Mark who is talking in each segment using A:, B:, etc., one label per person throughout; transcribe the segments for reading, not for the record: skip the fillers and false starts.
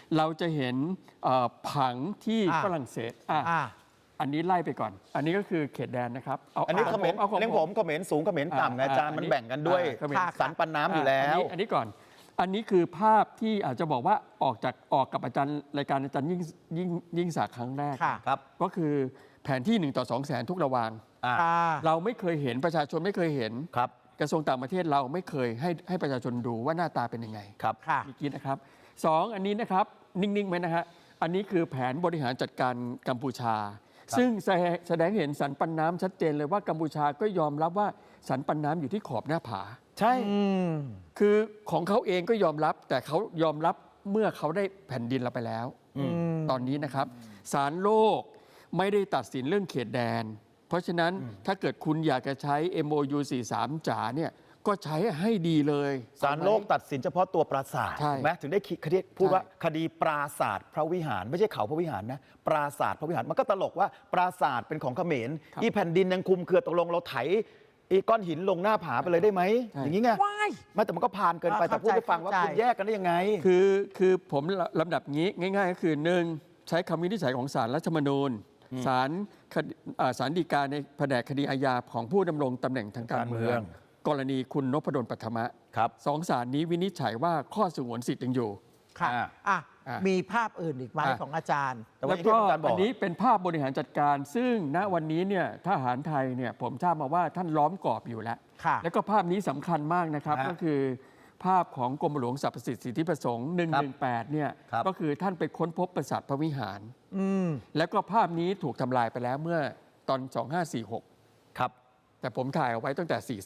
A: เราจะเห็นผังที่ฝรั่งเศสอันนี้ไล่ไปก่อนอันนี้ก็คือเขตแดนนะครับ
B: อันนี้เขมรเลี้ยงผมเขมรสูงเขมรต่ำอาจารย์มันแบ่งกันด้วยสันปันน้ำอยู่แล้ว
A: อันนี้ก่อนอันนี้คือภาพที่อาจจะบอกว่าออกกับอาจารย์รายการอาจารย์ยิ่งศักดิ์ครั้งแรก
B: ครับ
A: ก็คือแผนที่1 ต่อ 200,000ทุกระวางเราไม่เคยเห็นประชาชนไม่เคยเห็น
B: ครับ
A: กระทรวงต่างประเทศเราไม่เคยให้ประชาชนดูว่าหน้าตาเป็นยังไง
B: ครับ
A: มีกินนะครับ2อันนี้นะครับนิ่งๆไหมนะฮะอันนี้คือแผนบริหารจัดการกัมพูชาซึ่งแสดงเห็นสันปันน้ำชัดเจนเลยว่ากัมพูชาก็ยอมรับว่าสันปันน้ำอยู่ที่ขอบหน้าผา
B: ใช่
A: คือของเขาเองก็ยอมรับแต่เขายอมรับเมื่อเขาได้แผ่นดินเราไปแล้วตอนนี้นะครับศาลโลกไม่ได้ตัดสินเรื่องเขตแดนเพราะฉะนั้นถ้าเกิดคุณอยากจะใช้ MOU 43 จ๋าเนี่ยก็ใช้ให้ดีเลย
B: ศาลโลกตัดสินเฉพาะตัวปราสาทถูกไหมถึงได้คดีพูดว่าคดีปราสาทพระวิหารไม่ใช่เขาพระวิหารนะปราสาทพระวิหารมันก็ตลกว่าปราสาทเป็นของเขมรอีแผ่นดินยังคุมเครือตกลงเราไถอีก้อนหินลงหน้าผาไปเลยได้ไหมอย่างนี้ไงไม่แต่มันก็ผ่านเกินไปแต่พูดให้ฟังว่าคุณแยกกันได้ยังไง
A: คือผมลำดับงี้ง่ายๆก็คือ1ใช้คำวินิจฉัยของศาลรัฐธรรมนูญศาลฎีกาในแผนกคดีอาญาของผู้ดำรงตำแหน่งทางการเมืองกรณีคุณนพดลปัทมะสองศาลนี้วินิจฉัยว่าข้อสงวนสิทธิ์ยังอยู่
C: ค่ะมีภาพอื่นอีกไหมของอาจารย์
A: แล้วก็อันนี้เป็นภาพบริหารจัดการซึ่งณวันนี้เนี่ยทหารไทยเนี่ยผมทราบมาว่าท่านล้อมกรอบอยู่แล้วแล้วก็ภาพนี้สำคัญมากนะครับก็คือภาพของกรมหลวงสรรพสิทธิประสงค์118เนี่ยก็คือท่านไปค้นพบปราสาทพระวิหารแล้วก็ภาพนี้ถูกทำลายไปแล้วเมื่อตอน2546
B: ครับ
A: แต่ผมถ่ายเอาไว้ตั้งแต่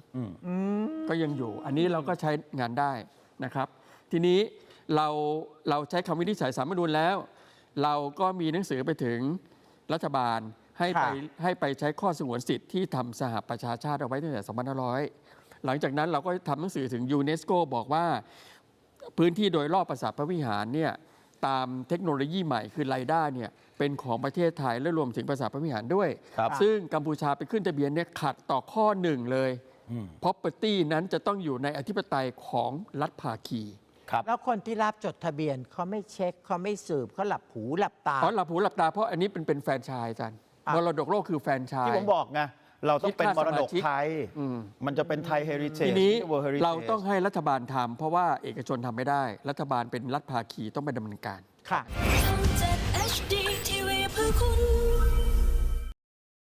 A: 43ก็ยังอยู่อันนี้เราก็ใช้งานได้นะครับทีนี้เราใช้คำวินิจฉัยศาลรัฐธรรมนูญแล้วเราก็มีหนังสือไปถึงรัฐบาลให้ไปใช้ข้อสงวนสิทธิ์ที่ทำสหประชาชาติเอาไว้ตั้งแต่2500หลังจากนั้นเราก็ทำหนังสือถึงยูเนสโกบอกว่าพื้นที่โดยรอบปราสาทพระวิหารเนี่ยตามเทคโนโลยีใหม่คือไรด้าเนี่ยเป็นของประเทศไทยและรวมถึงปราสาทพระวิหารด้วยซึ่งกัมพูชาไปขึ้นทะเบียนเนี่ยขัดต่อข้อ1เลย property นั้นจะต้องอยู่ในอธิปไตยของรัฐภาคี
C: แล้วคนที่รับจดทะเบียนเขาไม่เช็คเขาไม่สืบเขาหลับหูหลับตา
A: หลับหูหลับตาเพราะอันนี้เป็นแฟรนไชส์อาจารย์มรดกโลกคือแฟรนไชส์
B: ที่ผมบอกไงเราต้องเป็นมรดกไทยมันจะเป็นไทยเฮริเทจ
A: ทีนี้เราต้องให้รัฐบาลทำเพราะว่าเอกชนทำไม่ได้รัฐบาลเป็นรัฐภาคีต้องไปดำเนินการ
C: ค่ะ